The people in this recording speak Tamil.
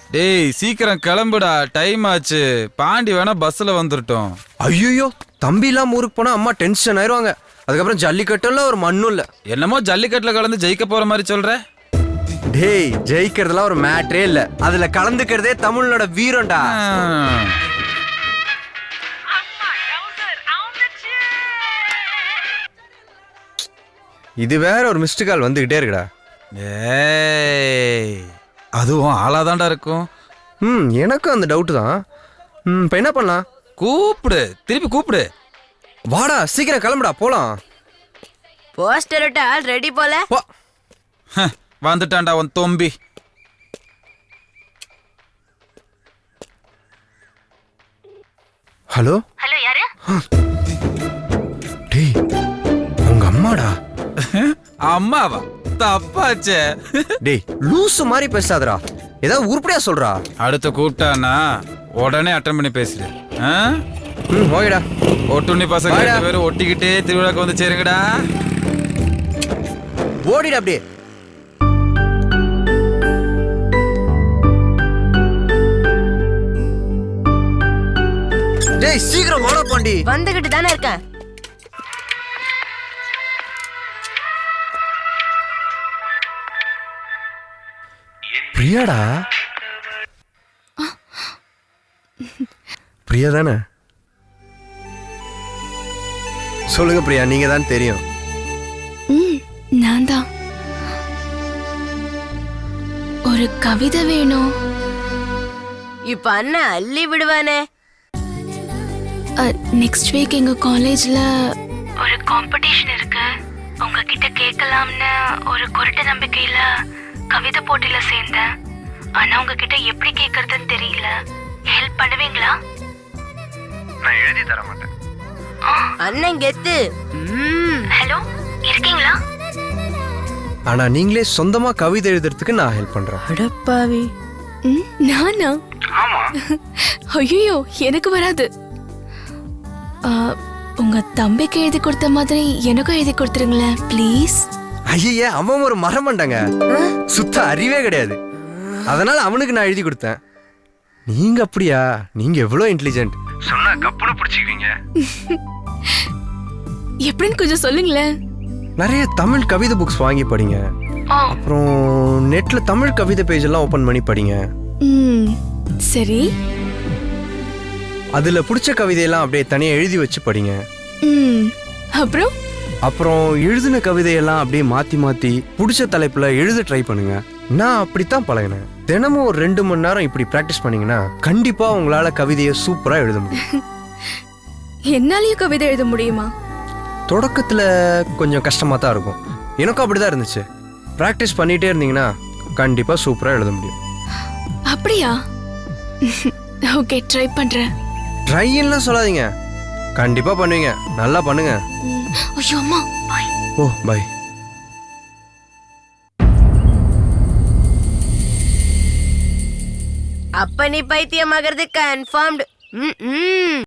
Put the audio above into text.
டேய் சீக்கிரம் கிளம்புடா, டைம் ஆச்சு. பாண்டி வேணா பஸ்ல வந்துட்டோம். ஐயோ தம்பி இல்லாம ஊருக்கு போனா அம்மா டென்ஷன் ஆயிருவாங்க. அதுக்கப்புறம் ஜல்லிக்கட்டும் இல்ல ஒரு மண்ணும் இல்ல. என்னமோ ஜல்லிக்கட்டுல கலந்து ஜெயிக்க போற மாதிரி சொல்ற. டேய் ஜெயிக்கிறதுலாம் ஒரு மேட்டரே இல்ல, அதுல கலந்துக்கிறதே தமிழனோட வீரம்டா. இது வேற ஒரு மிஸ்டு கால் வந்துகிட்டே இருக்குடா. ஏய் அதுவும் ஆளாதான்டா இருக்கும். எனக்கும் அந்த டவுட் தான். இப்போ என்ன பண்ணலாம்? கூப்பிடு, திருப்பி கூப்பிடு. வாடா சீக்கிரம் கிளம்புடா போலாம். போஸ்டர் ஆல் ரெடி போல. வந்துட்டான்டா உன் தொம்பி. ஹலோ ஹலோ யாரு? டேய் உங்க அம்மாடா. அம்மாவா? தப்பாச்சே. டேய் லூசு மாதிரி பேசாதடா, ஏதாவது உருப்படியா சொல்றா. அடுத்து கூப்பிட்டானா உடனே அட்டன் பண்ணி பேசுறேன். ஓகேடா. ஒட்டுண்ணி பசங்க 2 பேரும் ஒட்டிக்கிட்டே திருவிழாக்கு வந்து சேருங்கடா. ஓடிடா அப்படியே. டேய் சீக்கிரம் வாடா பாண்டி. வந்துகிட்டு தானே இருக்கேன். பிரியாடா. பிரியா தானே? சொல்லுங்க பிரியா, நீங்க தான் தெரியும். நான் தான். ஒரு கவிதை வேணும். இப்ப அண்ணன் அள்ளி விடுவானே. நெக்ஸ்ட் வீக் எங்க காலேஜ்ல ஒரு காம்படிஷன் இருக்கு. உங்ககிட்ட கேட்கலாம்னு ஒரு குருட்டு நம்பிக்கையில கவிதை போட்டியில சேர்ந்தேன். ஆனா உங்ககிட்ட எப்படி கேட்கறதுன்னு தெரியல. ஹெல்ப் பண்ணுவீங்களா? நான் எழுதி தர மாட்டேன். அண்ணன் கெத்து. ஹலோ இருக்கீங்களா? ஆனா நீங்களே சொந்தமா கவிதை எழுதுறதுக்கு நான் ஹெல்ப் பண்றேன். அடப்பாவி. நானா? ஆமா. ஐயோ எனக்கு வராது. உங்க தம்பிக்கு எழுதி கொடுத்த மாதிரி எனக்கும் எழுதி கொடுத்துருங்களேன் ப்ளீஸ். ஐயே அவன் ஒரு மரம் பண்ணாங்க, சுத்த அறிவே கிடையாது. அதனால அவனுக்கு நான் எழுதி கொடுத்தேன். நீங்க அப்படியா? நீங்க எவ்வளவு இன்டெலிஜென்ட். சொன்னா கப்புனு பிடிச்சிக்குவீங்க. எப்படின்னு கொஞ்சம் சொல்லுங்களேன். நிறைய தமிழ் கவிதை புக்ஸ் வாங்கி படிங்க. அப்புறம் நெட்ல தமிழ் கவிதை பேஜ் எல்லாம் ஓபன் பண்ணி படிங்க. சரி. அதுல பிடிச்ச கவிதையெல்லாம் அப்படியே தனியா எழுதி வச்சு படிங்க. அப்புறம் எழுதின கவிதையெல்லாம் அப்படியே மாத்தி மாத்தி பிடிச்ச தலைப்புல எழுத ட்ரை பண்ணுங்க. நான் அப்படித்தான் பழகினேன். தினமும் ஒரு 2 மணி நேரம் இப்படி பிராக்டிஸ் பண்ணீங்கன்னா கண்டிப்பா உங்களால கவிதையை சூப்பரா எழுத முடியும். என்னாலயும் கவிதை எழுத முடியுமா? தொடக்கத்துல கொஞ்சம் கஷ்டமா தான் இருக்கும். எனக்கும் அப்படிதான் இருந்துச்சு. பிராக்டிஸ் பண்ணிட்டே இருந்தீங்கன்னா கண்டிப்பா சூப்பரா எழுத முடியும். அப்படியா? ஓகே ட்ரை பண்றேன். ட்ரைன்லாம் சொல்லாதீங்க, கண்டிப்பா பண்ணுவீங்க. நல்லா பண்ணுங்க. ஐயோ அம்மா பை. O by. அப்ப நீ பைத்தியமாகிறது கன்ஃபார்ம்டு.